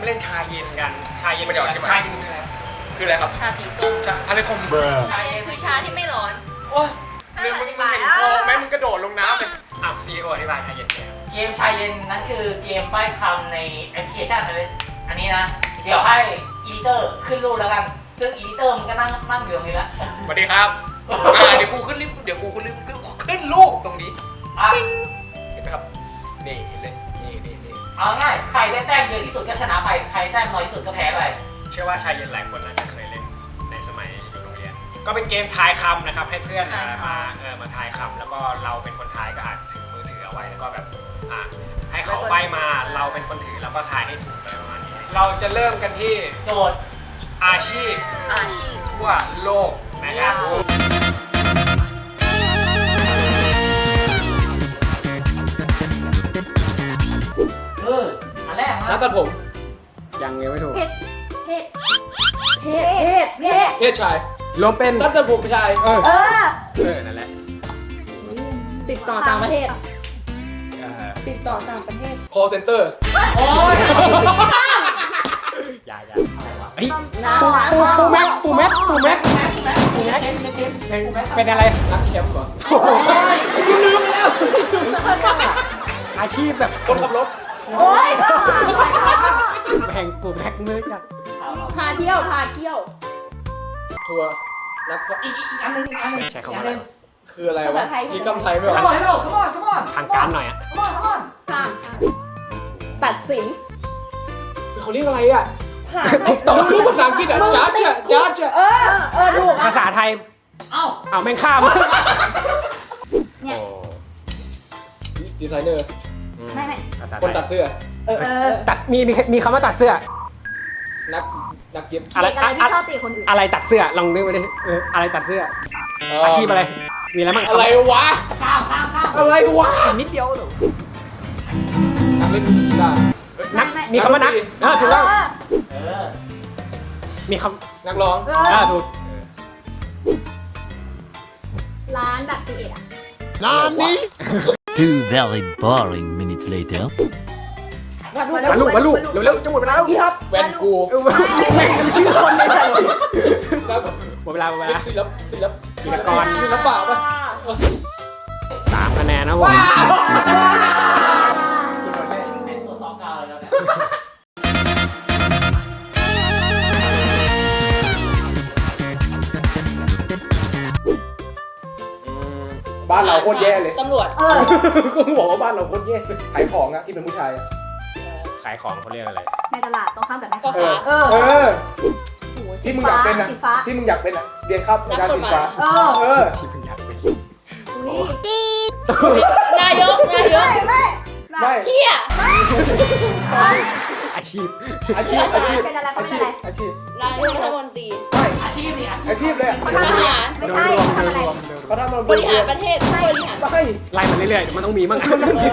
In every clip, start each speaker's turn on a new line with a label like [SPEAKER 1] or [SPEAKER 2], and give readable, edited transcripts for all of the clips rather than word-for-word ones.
[SPEAKER 1] เล่นชาเย็นกันชาเย็น
[SPEAKER 2] ไม่ได้อธิบาย
[SPEAKER 1] ชาเย็นคืออะไร
[SPEAKER 2] คืออะไรครับ
[SPEAKER 3] ชาสีส้ม
[SPEAKER 2] อะไรของ
[SPEAKER 3] ชาเย็นคือชาที่ไม่ร้อน
[SPEAKER 2] โอ้ยเรื่องมึงเห็นคอไหมมึงกระโดดลงน้ำเลย
[SPEAKER 1] อ้าวซีโออธิบายชาเย็นเนี่ย
[SPEAKER 4] เกมชายเย็นนั่นคือเกมป้ายคำในแอปพลิเคชันเลยอันนี้นะ เดี๋ยวให้อีดิเตอร์ขึ้นรูปแล้วกัน ซึ่งอีดิเตอร์มันก็นั่งอยู่ตรงนี้แล้ว
[SPEAKER 2] สวัสดีครับเดี๋ยวกูขึ้นรูปตรงนี้
[SPEAKER 4] อ่ะ
[SPEAKER 2] เห็นไหมครับนี่เห็นเลยนี่
[SPEAKER 4] เอาง่ายใครได้แต้มเยอะที่สุดก็ชนะไป ใครแต้มน้อยที่สุดก็แพ้ไป
[SPEAKER 1] เชื่อว่าชาเย็นหลายคนน่าจะเคยเล่นในสมัยอยู่โรงเรียนก็เป็นเกมทายคำนะครับให้เพื่อนมาทายคำแล้วก็เราเป็นคนทายก็อาจถือมือถือเอาไว้แล้วก็แบบให้เขาใบมาเราเป็นคนถือแล้วก็ทายให้ถูกอะไรประมาณนี้เราจะเริ่มกันที่
[SPEAKER 4] โจทย์
[SPEAKER 1] อาชีพ
[SPEAKER 3] อาชีพ
[SPEAKER 1] ทั่วโลกนะครับ
[SPEAKER 4] อันแรก
[SPEAKER 2] แล้
[SPEAKER 4] นะ
[SPEAKER 2] วตัดผม
[SPEAKER 1] ยังไม่ถูก
[SPEAKER 3] เพศ
[SPEAKER 2] เพศชาย
[SPEAKER 1] รวมเป็น
[SPEAKER 2] ตัดผมชาย
[SPEAKER 1] นั่นแหละ
[SPEAKER 5] ติดต่อต่างประเทศ ติดต่อต่างประเทศ
[SPEAKER 2] call center
[SPEAKER 4] โอ้ย
[SPEAKER 1] อย่า
[SPEAKER 3] เฮ้ย
[SPEAKER 1] ปูแม็กเป็นอะไร
[SPEAKER 2] นักแคมป์เหรอ
[SPEAKER 1] ลืมแล้วอาชีพแบบ
[SPEAKER 2] คนขับรถ
[SPEAKER 3] โอ้ย
[SPEAKER 1] แห่งปูแม็กมือจัก
[SPEAKER 5] พาเที่ยว พาเที่ยว
[SPEAKER 2] ทัวร์นัก
[SPEAKER 4] อีกอันหนึง
[SPEAKER 1] ใช้คำ
[SPEAKER 4] อั
[SPEAKER 1] ว่าน
[SPEAKER 4] ห
[SPEAKER 1] อะไร
[SPEAKER 4] นึง
[SPEAKER 2] คืออะไรวะมีคำไทยไหม
[SPEAKER 4] come
[SPEAKER 2] วะ
[SPEAKER 4] on come on
[SPEAKER 1] ทางการหน่อยอะ
[SPEAKER 4] come on
[SPEAKER 5] ตัดสิน
[SPEAKER 2] เขาเรียกอะไรอ่ะ
[SPEAKER 5] ผ่าน
[SPEAKER 2] ผมรู้ภาษาอังกฤษอ่ะจ้าเจ้า
[SPEAKER 5] ถูก
[SPEAKER 1] ภาษาไทย
[SPEAKER 4] เอ้า
[SPEAKER 1] เอาแม่งข้าม
[SPEAKER 3] เนี่ย
[SPEAKER 2] ดีไซเนอร์
[SPEAKER 3] ไม่
[SPEAKER 2] คนตัดเสื้อ
[SPEAKER 1] ตัดมีคำว่าตัดเสื้อ
[SPEAKER 2] นักเย็บ
[SPEAKER 1] อะไร
[SPEAKER 3] เด็กอะไรที่ชอบตีคนอื่น
[SPEAKER 1] อะไรตัดเสื้อลองนึกไปดิอะไรตัดเสื้อ อาชีพอะไร มีอะไรบ้าง
[SPEAKER 2] อะไรวะ
[SPEAKER 4] ข้าม
[SPEAKER 2] อะไรวะ
[SPEAKER 1] นิดเดียวหรอ
[SPEAKER 2] นักเล่นกีฬา
[SPEAKER 1] นักมีคำว่านักถูกต้อง
[SPEAKER 4] เออ
[SPEAKER 1] มีค
[SPEAKER 2] นักร้อง
[SPEAKER 1] ำถูก
[SPEAKER 3] ร้านแบบซีเอ็ดอ่ะ
[SPEAKER 6] Two very boring minutes later.
[SPEAKER 1] วันลูกเร็วๆจะหมดเวลาแล้ว
[SPEAKER 2] แวนกู
[SPEAKER 1] แม่งมีชื่อคนเลย
[SPEAKER 2] แล้ว
[SPEAKER 1] หมดเวลา
[SPEAKER 2] ศิลป
[SPEAKER 1] กิจกร
[SPEAKER 2] ศิลปะป่ะ
[SPEAKER 1] 3 คะแนนนะผม
[SPEAKER 4] เป็นตัวซอกกาวเลยแล้วเนี่ย
[SPEAKER 2] บ้านเราโคตรแย่เลย
[SPEAKER 5] ตำรวจ
[SPEAKER 2] ก็บอกว่าบ้านเราโคตรแย่ขายของอะที่เป็นผู้ชายอะ
[SPEAKER 1] ขายของเขาเรียกอะไร
[SPEAKER 3] ในตลาดตรงข้ามกับแม่
[SPEAKER 5] พ่อ
[SPEAKER 3] ค้า
[SPEAKER 5] ค้า
[SPEAKER 2] ที่มึงอยากเป็นอะ
[SPEAKER 3] สีฟ้า
[SPEAKER 2] ที่มึงอยากเป็นอะเรียนครับในการศึกษา
[SPEAKER 1] ที่เพิ่งอยากเป็น
[SPEAKER 3] อุ้ย
[SPEAKER 5] นายก
[SPEAKER 3] ไม่
[SPEAKER 5] เที่ย
[SPEAKER 1] อาชีพ
[SPEAKER 3] เป็นอะไรเขาเป็นอะไร
[SPEAKER 2] อาชีพ
[SPEAKER 5] นายกรัฐมนตรี
[SPEAKER 4] อาชีพนี่
[SPEAKER 2] อาชีพเลย
[SPEAKER 3] เขาทำอะไรไม่ใช่เขาทำอะไร
[SPEAKER 2] เขาทำมา
[SPEAKER 5] บริหารประเทศบริหาร
[SPEAKER 2] ไม่
[SPEAKER 1] ไล่มาเรื่อยๆเดี๋ยวมันต้องมีมั่ง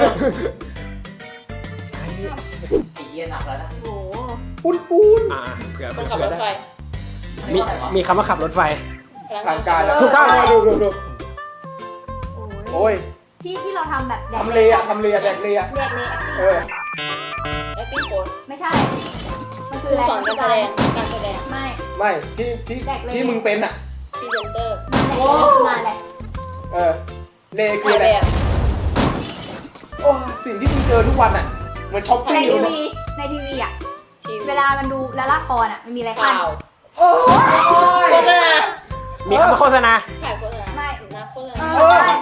[SPEAKER 4] ตีเย็นหนักแล้วนะ
[SPEAKER 3] โอ้โห
[SPEAKER 2] ปูน
[SPEAKER 1] เผื่อ
[SPEAKER 5] คนขับรถไฟ
[SPEAKER 1] มีคำว่าขับรถไฟ
[SPEAKER 2] ทางการ
[SPEAKER 1] ถูกต้อง
[SPEAKER 2] ดูโอ้ย
[SPEAKER 3] ที่เราทำแบบแดก
[SPEAKER 2] ทำเลอะแดกเลยอะ
[SPEAKER 3] แดกเลยแอคติ้ง
[SPEAKER 5] acting coach
[SPEAKER 3] ไม่ใช่มัน
[SPEAKER 5] ค
[SPEAKER 3] คือ
[SPEAKER 5] รู
[SPEAKER 3] อะไร
[SPEAKER 5] สอนการแสดง การแสดง
[SPEAKER 3] ไม่
[SPEAKER 2] ที่มึงเป็นอะ
[SPEAKER 5] พรีเซนเตอร์
[SPEAKER 3] งานอะไร
[SPEAKER 2] เลคือ
[SPEAKER 5] ถ่าย
[SPEAKER 2] อะไร
[SPEAKER 5] แบบ
[SPEAKER 2] โอ้สิ่งที่มึงเจอทุกวันอะเหมือนช้อป
[SPEAKER 3] ใน
[SPEAKER 2] ปิ้ง
[SPEAKER 3] ทีวีอ่ะ
[SPEAKER 5] ทีวี
[SPEAKER 3] เวลามันดูแล้วละครอ่ะมันมีอะไรขั้
[SPEAKER 5] ข่าน ว
[SPEAKER 3] โอ้ย
[SPEAKER 5] โฆษณา
[SPEAKER 1] มีคำว่าโฆษณา
[SPEAKER 5] ถ่ายโฆษณา
[SPEAKER 3] ไม่
[SPEAKER 5] นักโฆษ
[SPEAKER 3] เอ
[SPEAKER 5] ณา
[SPEAKER 3] อใช่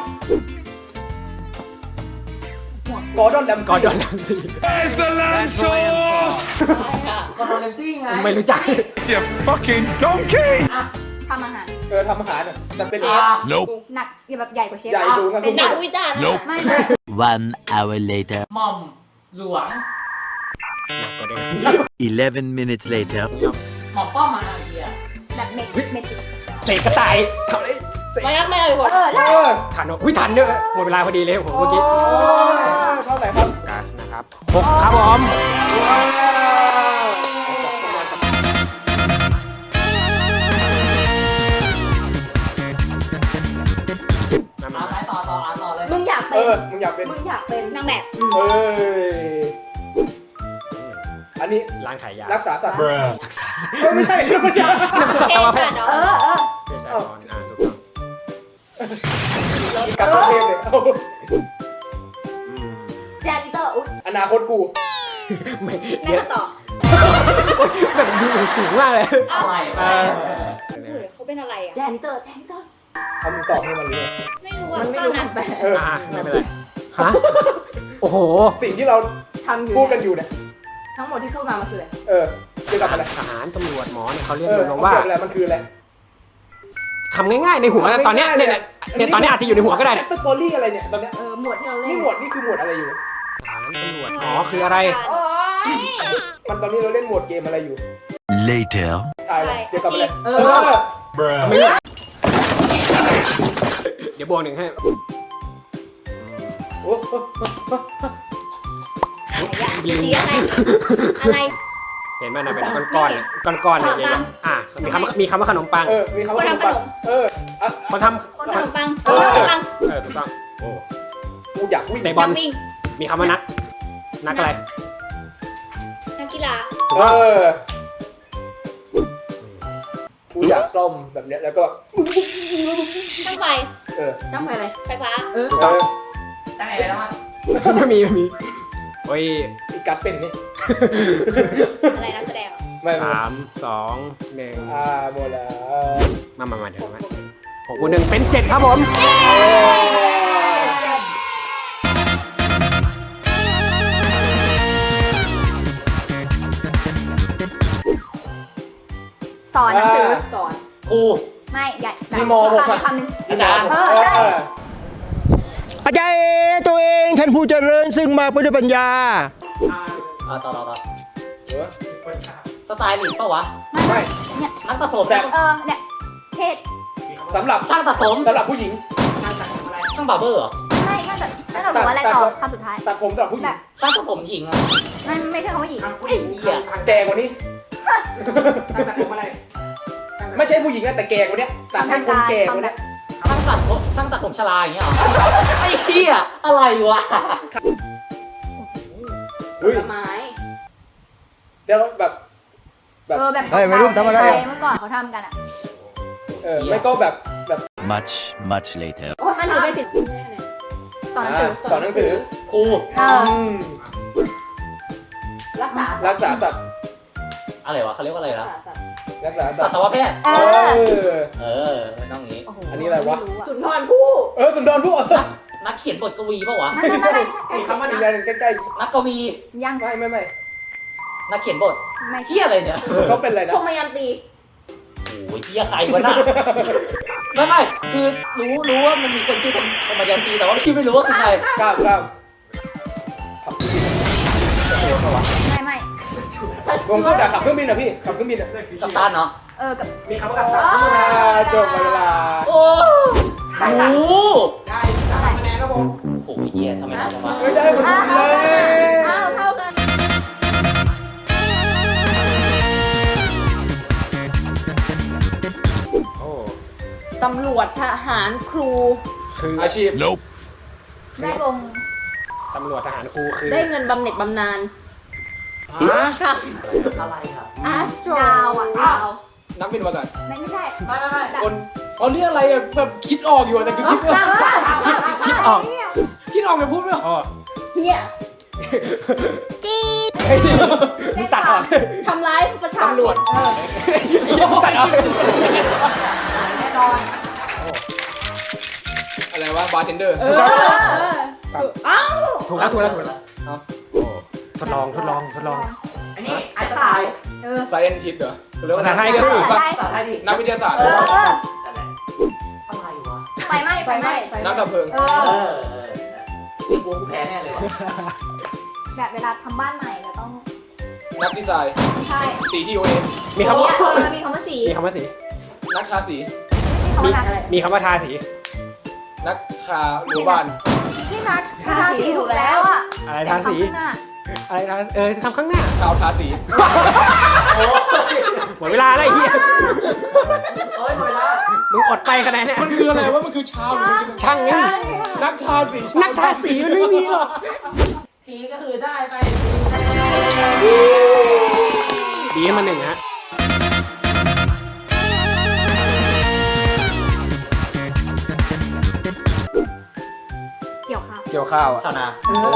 [SPEAKER 2] กอร์ดอนดัม
[SPEAKER 1] ก่อนโดนดังสิ
[SPEAKER 5] ใช่ค่ะ
[SPEAKER 4] ก็โดนเลนซี่ไง
[SPEAKER 1] ไม่รู้จัก
[SPEAKER 3] ทำอาหาร
[SPEAKER 2] ทำอาหารอะแต่เป็น
[SPEAKER 6] Nope.
[SPEAKER 3] หนักแบบใหญ่กว่าเชฟ
[SPEAKER 2] ใหญ่ดูงั้น
[SPEAKER 3] เป็น
[SPEAKER 5] นักวิจารณ์
[SPEAKER 6] Nope.
[SPEAKER 3] ไม่
[SPEAKER 6] One hour later.
[SPEAKER 4] หม่อมหลวง
[SPEAKER 1] หนักกว่าเดิม
[SPEAKER 6] 11 minutes later.
[SPEAKER 4] หม่อมป้อมมาไอ้เหี้ย
[SPEAKER 3] แบบเมจิก
[SPEAKER 1] เสกกระต่ายทำอะไรเสก
[SPEAKER 5] ไม่รักไม่เอาไปหมด
[SPEAKER 3] ได้
[SPEAKER 1] ทันอุ้ยทันเนอะหมดเวลาพอดีเลยผมเมื่อกี้
[SPEAKER 2] เท่าไหร่ครับ
[SPEAKER 1] การนะครับ6ครับผม
[SPEAKER 4] เอาไปต่อเลย
[SPEAKER 3] มึงอยากเป็น
[SPEAKER 2] มึงอยากเป็น
[SPEAKER 3] นางแบบ
[SPEAKER 2] เอ้ยออันนี้
[SPEAKER 1] ร้านขายยา
[SPEAKER 2] รักษาสัตว์ไม่ใช่ไม่ใช่
[SPEAKER 3] เทพค่ะเนาะเออ
[SPEAKER 1] เภสัชกรถูกต้อง
[SPEAKER 2] กับประเทศเลย
[SPEAKER 1] อืม
[SPEAKER 3] แจนิเตอร์อุ๊ย
[SPEAKER 2] อนาคตกู
[SPEAKER 1] ไม่
[SPEAKER 3] นั่
[SPEAKER 1] เดี๋
[SPEAKER 3] น
[SPEAKER 1] ยว
[SPEAKER 3] ก็ต่อ
[SPEAKER 1] แบบดูสูงมากเลย
[SPEAKER 4] อะไร
[SPEAKER 1] เออ
[SPEAKER 3] เฮ้ยเขาเป็นอะไรอ่ะแจนิเตอร์
[SPEAKER 2] ทำตอบให้มันรู้
[SPEAKER 3] ไม่รู้อ่ะ
[SPEAKER 5] มันไม่รู้
[SPEAKER 3] นะ
[SPEAKER 5] คำแปล
[SPEAKER 2] เออ
[SPEAKER 1] ไม่เป็นไรฮะโอ้โห
[SPEAKER 2] สิ่งที่เรา
[SPEAKER 5] ทำอยู่
[SPEAKER 2] พูดกั
[SPEAKER 5] เนี่ย
[SPEAKER 2] นอยู่เนี่ย
[SPEAKER 5] ทั้งหมดที่พูดมามันคืออะไร
[SPEAKER 2] เออเกี่ยวกับอะไร
[SPEAKER 1] ทหารตำรวจหมอเนี่ยเขาเรียก
[SPEAKER 2] เออ
[SPEAKER 1] รวม
[SPEAKER 2] เขา
[SPEAKER 1] ๆว่า
[SPEAKER 2] เกี่ยวกับอะไรมันคืออะไร
[SPEAKER 1] คำง่ายๆในหัวนะตอนเนี้ยเนี่ยตอนเนี้ยอาจจะอยู่ในหัวก็ได้เนี่ย
[SPEAKER 2] สตอรี่อะไรเนี่ยตอนเนี้ย
[SPEAKER 5] หมวดที่เราเล่น
[SPEAKER 2] นี่หมวดนี่คือหมวดอะไรอยู่
[SPEAKER 1] ทหารตำรวจหมอคืออะไร
[SPEAKER 2] มันตอนนี้เราเล่นหมวดเกมอะไรอยู่
[SPEAKER 6] Later.
[SPEAKER 2] ตายแล้วเกี่ยวกับอะไร
[SPEAKER 5] เออ
[SPEAKER 1] ไม่รู้เดี๋ยวบวกหนึ่งให้
[SPEAKER 2] โอ้โห
[SPEAKER 3] สีอะไรอะไร
[SPEAKER 1] เห็นไหมนะเป็นก้อนๆเนี่ยก้อนๆเนี่ยใหญ่ๆมีคำว่าขนมปัง
[SPEAKER 2] เออมีคำว่าขนมปังเอออ่ะ
[SPEAKER 1] คนท
[SPEAKER 3] คนขนมปัง
[SPEAKER 1] ำ
[SPEAKER 3] คนขนมปัง
[SPEAKER 1] ถูกต้องโอ้
[SPEAKER 2] กูอยากวิ่ง
[SPEAKER 1] ในบอล
[SPEAKER 3] นักวิ่ง
[SPEAKER 1] มีคำว่านักอะไร
[SPEAKER 3] นักกีฬา
[SPEAKER 1] ถูก
[SPEAKER 2] เอ
[SPEAKER 1] ต้อง
[SPEAKER 2] อกูอยากซ่อมแบบเนี้ยแล้วก็
[SPEAKER 3] ช่างไฟ
[SPEAKER 2] เออ
[SPEAKER 5] จ้างไปอะไร
[SPEAKER 3] ไฟฟ้า
[SPEAKER 2] เออ
[SPEAKER 4] ตั้งไงแล้วมั้ง
[SPEAKER 1] ไม่มีโอ้ย
[SPEAKER 2] อีกัสเป็นนี่
[SPEAKER 3] อะไรนักแสดงเหรอ
[SPEAKER 2] ไม่
[SPEAKER 1] 3 2 1
[SPEAKER 2] หมดแล้ว
[SPEAKER 1] มาเดี๋ยวมา6 บวก 1เป็น 7 ครับผม
[SPEAKER 3] สอนหนังสือ
[SPEAKER 5] สอน
[SPEAKER 2] ครู
[SPEAKER 3] ไม่ใหญ่
[SPEAKER 2] ที่ม
[SPEAKER 3] อีก
[SPEAKER 2] หก
[SPEAKER 3] คำ
[SPEAKER 2] อะ
[SPEAKER 3] อีกคำหนึ่ง
[SPEAKER 4] อาจารย์
[SPEAKER 3] เออใช่
[SPEAKER 7] อาจารย์ตัวเองท่านผู้เจริญซึ่งมาเพื่อด้วยปัญญา
[SPEAKER 4] ต่อ
[SPEAKER 2] เออ
[SPEAKER 4] สไตล์หลีกปะวะ
[SPEAKER 2] ไม่
[SPEAKER 3] เนี่ย
[SPEAKER 4] นักตัดผม
[SPEAKER 2] แต่
[SPEAKER 3] เนี่ยเทศ
[SPEAKER 2] สำหรับ
[SPEAKER 4] ช่างตัดผม
[SPEAKER 2] สำหรับผู้หญิง
[SPEAKER 4] ช่างบาร์เบอร์เหรอ
[SPEAKER 3] ไม่น่าจะบอกว่าอะไรต่อคำสุดท้าย
[SPEAKER 2] ตัดผมสำหรับผู้หญิ
[SPEAKER 3] แบ
[SPEAKER 2] ง
[SPEAKER 3] บ
[SPEAKER 4] ช่างตัดผมหญิงอะ
[SPEAKER 3] ไม่ใช่คำว่าหญิง
[SPEAKER 4] ไอ้เหี้ย
[SPEAKER 2] แก่กว่านี้ ไม่ใช่ผู้หญิงนะแต่แก่กว่านี้ตัดให้คนแก่กว่านี้
[SPEAKER 4] ช่างตัดผมชราอย่างเงี้ยเหรอไอ้เหี้ยอะไรวะ
[SPEAKER 2] เฮ้ย
[SPEAKER 5] ผลไม้
[SPEAKER 2] เดี๋ยวแบบ
[SPEAKER 3] แบบ
[SPEAKER 7] เฮ้ยวัยรุ่นทำอะไรอะ
[SPEAKER 3] เมื่อก่อนเขาทำกันอ่ะ
[SPEAKER 2] ไม่ก็แบบ
[SPEAKER 6] Much, much later.
[SPEAKER 3] มันถือเป็นศิลป์สอนหนังสือ
[SPEAKER 2] สอนหนังสือ
[SPEAKER 4] ครู
[SPEAKER 3] เออ
[SPEAKER 2] ม
[SPEAKER 5] รักษา
[SPEAKER 2] รักษาสัตว์
[SPEAKER 4] อะไรวะเขาเรียกว่าอะไรนะ
[SPEAKER 2] รักษาสั
[SPEAKER 4] สั
[SPEAKER 2] ตว์
[SPEAKER 4] ตวแพทย์
[SPEAKER 3] เออ
[SPEAKER 4] ไม่ต้องงี้
[SPEAKER 3] โอ้โห
[SPEAKER 2] อันนี้อะไรวะ
[SPEAKER 3] ม่
[SPEAKER 5] สุนทรภู่
[SPEAKER 2] สุนทรภู่
[SPEAKER 4] นักเขียนบทกวีปะวะ
[SPEAKER 3] ไม่
[SPEAKER 2] คำว่าอะไรใกล้
[SPEAKER 4] นักกวี
[SPEAKER 3] ยัง
[SPEAKER 2] ๆไม่
[SPEAKER 4] นักเขียนบท
[SPEAKER 3] ไม่
[SPEAKER 4] เหี้ยอะไรเนี่ย
[SPEAKER 2] เขาเป็นอะไรนะ
[SPEAKER 5] พรหมยันตี
[SPEAKER 4] โอ้ยเหี้ยใครวะน่ะไม่คือรู้ว่ามันมีคนชื่อธรรมยันตีแต่ว่าพี่ไม่รู้ว่าคือใคร
[SPEAKER 2] ก้าว
[SPEAKER 3] ไม่
[SPEAKER 2] ผมก็อยากขับเครื่องบินอ่ะพี่ขับเครื่องบินอ่ะ
[SPEAKER 4] กัปตันเนาะ
[SPEAKER 3] กับ
[SPEAKER 1] มีคำว่ากับ
[SPEAKER 2] จบเวลา
[SPEAKER 4] โอ้โห
[SPEAKER 1] ได้3 คะแนนครับผม
[SPEAKER 4] โอ้โหเหี้ยทำไมทำมา
[SPEAKER 2] ไม่ได้หมดเลย
[SPEAKER 3] เท่ากัน
[SPEAKER 1] โอ้
[SPEAKER 5] ตำรวจทหารครู
[SPEAKER 1] คือ
[SPEAKER 2] อาชีพ
[SPEAKER 6] Nope.
[SPEAKER 3] ได้วง
[SPEAKER 1] ตำรวจทหารครูคือ
[SPEAKER 5] ได้เงินบำเหน็จบำนาญ
[SPEAKER 4] ค่ะอะไรครับ
[SPEAKER 5] อาสโตร
[SPEAKER 3] ดาวอ่ะดาว
[SPEAKER 2] นักบินอวกาศ
[SPEAKER 3] ไม่ใช่
[SPEAKER 2] คนเขาเรียกอะไรอ่ะแบบคิดออกอยู่แต่คือคิดว่า
[SPEAKER 1] คิดออก
[SPEAKER 2] คิดออกแต่พูดไม่ออก
[SPEAKER 1] อ๋อ
[SPEAKER 5] เฮีย
[SPEAKER 3] จี๊ด
[SPEAKER 1] มึงตัดออก
[SPEAKER 5] ทำร้ายประชาชน
[SPEAKER 2] ตำรวจ
[SPEAKER 1] ตัดออก
[SPEAKER 5] แน่นอน
[SPEAKER 2] อะไรวะบาร์เทนเดอร์
[SPEAKER 5] เอ้า
[SPEAKER 1] ถูกแล้วโอ้ทดลอง
[SPEAKER 4] อันนี้ไอสไตล์
[SPEAKER 2] ไซเอนทิสเหรอเรียกว่า
[SPEAKER 1] ภาษาไทยก็คือ
[SPEAKER 4] ภาษาไทยดิ
[SPEAKER 2] นักวิทยาศาสตร์
[SPEAKER 4] อะไรวะ
[SPEAKER 3] ไฟไหม้
[SPEAKER 2] นักดับเพลิง
[SPEAKER 4] ที่กูแพ้แน่เลย
[SPEAKER 3] แบบเวลาทำบ้านใหม่เราต้อง
[SPEAKER 2] นักดีไซน์
[SPEAKER 3] ใช่
[SPEAKER 2] สีที่โอเอ
[SPEAKER 1] มีคำว่า
[SPEAKER 3] มีคำว่าสี
[SPEAKER 1] มีคำว่าสี
[SPEAKER 2] นักทาสี
[SPEAKER 3] ไม่ใช่คำว่านัก
[SPEAKER 1] มีคำว่าทาสี
[SPEAKER 2] นักทาหมู่บ้าน
[SPEAKER 3] ไม่ใช่นักทาสีถูกแล้วอ่ะ
[SPEAKER 1] อะไรทาสี อะไรทาทำข้างหน้า
[SPEAKER 2] ชาวทาสี
[SPEAKER 4] โอ้ย
[SPEAKER 1] หมดเวลาแล้วไอ้เหี้ย
[SPEAKER 4] โอ้ยหมดเวลา
[SPEAKER 1] มึงอดไปคะแนนเนี่ย
[SPEAKER 2] มันคืออะไรวะมันคือชาวหรือมันคือ
[SPEAKER 1] ช่างงั้น
[SPEAKER 2] นักทาสี
[SPEAKER 1] นักทาสีมันไม่มีหรอก
[SPEAKER 4] ทีก็คือได้ไป
[SPEAKER 2] เดีให้มาหนึ่งฮะ
[SPEAKER 3] เกี่ยวข้าว
[SPEAKER 2] เกี่ยวข้าวอ่ะ
[SPEAKER 4] ชาวนา
[SPEAKER 2] โอ้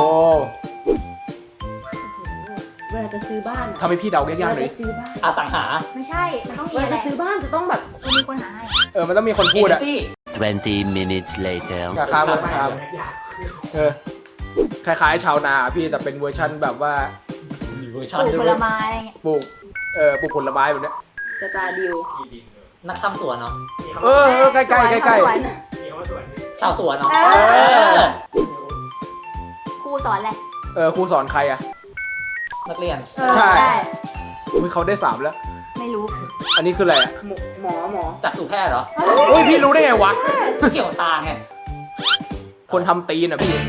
[SPEAKER 5] เวลาจะซื้อบ้าน
[SPEAKER 2] ทำให้พี่เดายากๆหน่อย
[SPEAKER 5] ซื้อบ้าน
[SPEAKER 4] อสังหา
[SPEAKER 3] ไม่ใช่ มันต้องมี
[SPEAKER 5] เวลา
[SPEAKER 3] อะไร
[SPEAKER 5] จะซื้อบ้านจะต้องแบบ
[SPEAKER 3] มีคนหาให้
[SPEAKER 2] มันต้องมีคนพูดอ่ะ
[SPEAKER 4] ที่
[SPEAKER 6] 20 minutes later.
[SPEAKER 2] ราคาราคาคล้ายๆชาวนาพี่แต่เป็นเวอร์ชั่นแบบว่า
[SPEAKER 4] มีเวอร์
[SPEAKER 3] ป
[SPEAKER 4] ชัน
[SPEAKER 3] ลูก
[SPEAKER 4] ด้
[SPEAKER 3] ผ
[SPEAKER 4] วย
[SPEAKER 3] ลไม้อะไรเงี้ย
[SPEAKER 2] ปลูกผลไม้แบบเนี้ย
[SPEAKER 5] สตาร์ดิว
[SPEAKER 4] นักทำสวนเนาะ
[SPEAKER 2] ใกล้ๆใกล้ๆใกล้
[SPEAKER 3] สวน
[SPEAKER 1] มีคำว่าสวน
[SPEAKER 4] ชาวสวนเนาะ
[SPEAKER 3] ครูสอนอะไร
[SPEAKER 2] ครูสอนใครอ่ะ
[SPEAKER 4] นักเรียน
[SPEAKER 2] ใช่
[SPEAKER 3] ใช่
[SPEAKER 2] อุ๊ยเขาได้3แล้ว
[SPEAKER 3] ไม่รู้
[SPEAKER 2] อันนี้คืออะไรอ่ะ
[SPEAKER 5] หมอ
[SPEAKER 4] จากสู่แพทย์เหรอ
[SPEAKER 2] อุ้ยพี่รู้ได้ไงวะ
[SPEAKER 4] เกี่ยวตาไง
[SPEAKER 2] คนทำตีนอ่ะพี่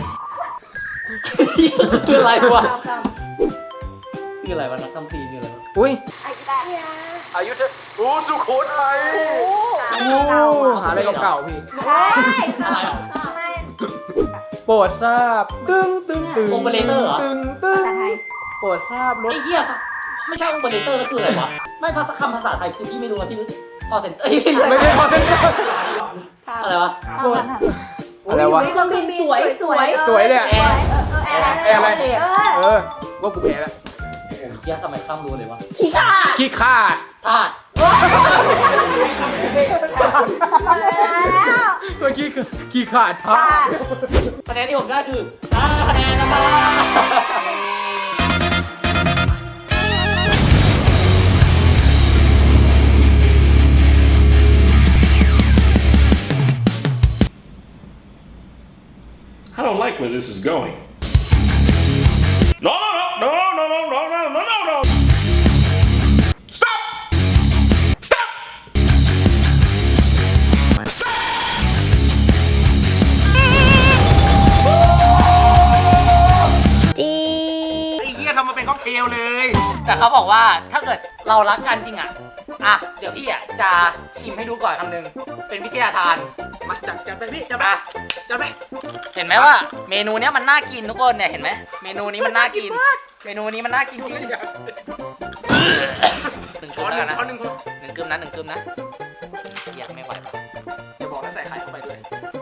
[SPEAKER 4] คืออะไรวะ
[SPEAKER 5] ข้าม
[SPEAKER 4] คืออะไรวะนักทำทีคืออะไรวะ
[SPEAKER 2] อุ้ย
[SPEAKER 3] ไอ้แบบ
[SPEAKER 2] อายุเธอโอ้สุโขทัย
[SPEAKER 3] เก่าอ่ะ
[SPEAKER 2] หาอะไรเก่าๆพี่
[SPEAKER 3] ใช่
[SPEAKER 4] อะไรอ่ะ
[SPEAKER 3] ไม่
[SPEAKER 2] โปรดทราบตึ้งตึ้งตึ้ง
[SPEAKER 4] โอเปอเรเตอร์เหรอ
[SPEAKER 2] ตึ้งตึ้ง
[SPEAKER 3] ภาษาไทย
[SPEAKER 2] โปรดทราบรถ
[SPEAKER 4] ไอ้เหี้ยไม่ใช่องค์เบอร์เรเตอร์ก็คืออะไรวะ ไม่ภาษาคำภาษาไทยคือพี่ไม่รู้นะพี่รู้พอเซ็นเอ้ยพี่รู้
[SPEAKER 2] ไม่ใช่คอนเทนต์
[SPEAKER 4] อะไรวะ
[SPEAKER 3] เอามาทำ
[SPEAKER 2] อะไรวะ
[SPEAKER 3] เครื่องบินสวยสวย
[SPEAKER 2] สวยเนี่ย
[SPEAKER 3] แอร์อะไร
[SPEAKER 2] แอร์อะไร
[SPEAKER 3] เ
[SPEAKER 2] ว่ากูแพ้แล้ว
[SPEAKER 4] เหี้ยทำไมข้ามรู้เลยวะ
[SPEAKER 5] ขี้ข้า
[SPEAKER 2] ขี้ข้า
[SPEAKER 4] ธาตุ
[SPEAKER 3] แล้ว
[SPEAKER 2] เมื่อกี้คือขี้ข้าท้า
[SPEAKER 4] คะแนนที่ผมได้คือ5คะแนนนะครับ
[SPEAKER 8] I don't like where this is going. No, no, no, no, no, no, no, no, no, no, no. Stop! Stop!
[SPEAKER 3] จี
[SPEAKER 2] ไอ้เหี้ยทำมาเป็นค็อกเทลเลย
[SPEAKER 4] แต่เขาบอกว่าถ้าเกิดเรารักกันจริงอ่ะเดี๋ยวพี่อ่ะจะชิมให้ดูก่อนคำหนึ่งเป็นวิทยาทาน
[SPEAKER 2] มาจัดไปพี่จัดไป
[SPEAKER 4] อ่ะ
[SPEAKER 2] จัดไป
[SPEAKER 4] เห็นไหมว่าเมนูเนี้ยมันน่ากินทุกคนเนี่ยเห็นไหมเมนูนี้มันน่ากิน เมนูนี้มันน่ากินจริงหนึ่ง
[SPEAKER 2] ข
[SPEAKER 4] กึ
[SPEAKER 2] อ
[SPEAKER 4] ม
[SPEAKER 2] ห
[SPEAKER 4] แล้ว
[SPEAKER 2] นึ่ง
[SPEAKER 4] นะ
[SPEAKER 2] ขอหนึ่งคน
[SPEAKER 4] หนึ่งกึมนะหนึ่งกึมนะเกียไม่ไหวปะ
[SPEAKER 2] อย่าบอกนะใส่ไข่เข้าไปด้วย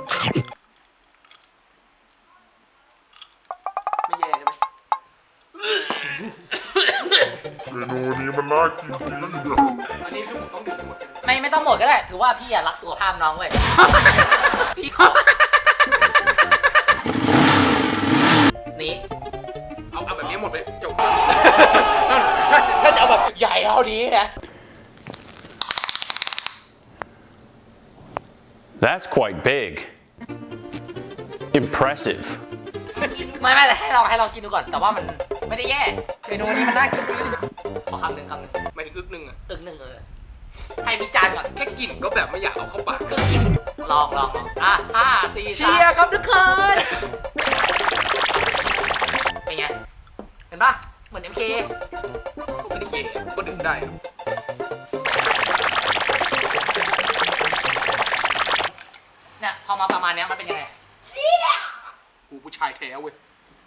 [SPEAKER 2] ไม่แย่ใช่ไหม อันนี้คือผมต้องดื่มทั้งหมดใช่ไหม
[SPEAKER 4] ไม่ต้องหมดก็ได้ถือว่าพี่อ่ะรักสุขภาพน้องเว้ยพี่นี่
[SPEAKER 2] เอาแบบนี้หมดเลยจบ
[SPEAKER 4] ถ้าจะเอาแบบใหญ่เท่านี้นะ
[SPEAKER 8] That's quite big. Impressive.
[SPEAKER 4] ไม่แต่ให้เรากินดูก่อน แต่ว่ามันไม่ได้แย่เมนูนี้มันน่ากินจริงขอคำหนึ่ง
[SPEAKER 2] ไม่ถึงอึกหนึ่งอะ
[SPEAKER 4] ตึกหนึ่งให้วิจารณ์ก่อน
[SPEAKER 2] แค่กลิ่นก็แบบไม่อยากเอาเข้าปาก
[SPEAKER 4] ครึ่งกินลองอ่ะ5 4
[SPEAKER 2] เชียร์ครับทุกคน
[SPEAKER 4] เป็นไงเห็นปะเหมือน MK
[SPEAKER 2] ก็ไม่ได้แย่ก็ดื่มได้อะ
[SPEAKER 4] เนี่ยพอมาประมาณเนี้ยมันเป็นยังไง
[SPEAKER 2] กูผู้ชายแท้เว้ย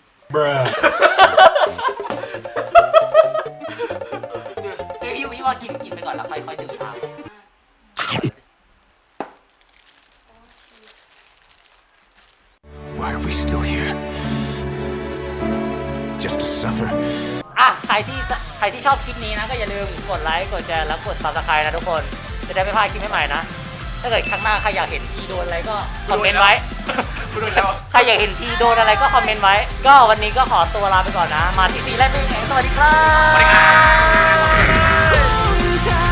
[SPEAKER 4] เฮ้ยพี่ว่ากินไปก่อนแล้วค่อยดื่มตาม
[SPEAKER 6] Why are we still here? Just to suffer.
[SPEAKER 4] อ่ะใครที่ชอบคลิปนี้นะก็อย่าลืมกดไลค์กดแชร์แล้วกด Subscribe นะทุกคนจะได้ไม่พลาดคลิปใหม่ๆนะ ถ้าเกิดครั้งหน้าใครอยากเห็นพี่โดนอะไรก็คอมเมนต์ไว้ ใครอยากเห็นพี่โดนอะไรก็คอมเมนต์ไว้ ก็วันนี้ก็ขอตัวลาไปก่อนนะ มาที่ซีแรกเป็นไงสวัสดีครับ
[SPEAKER 2] สวัสดีครับ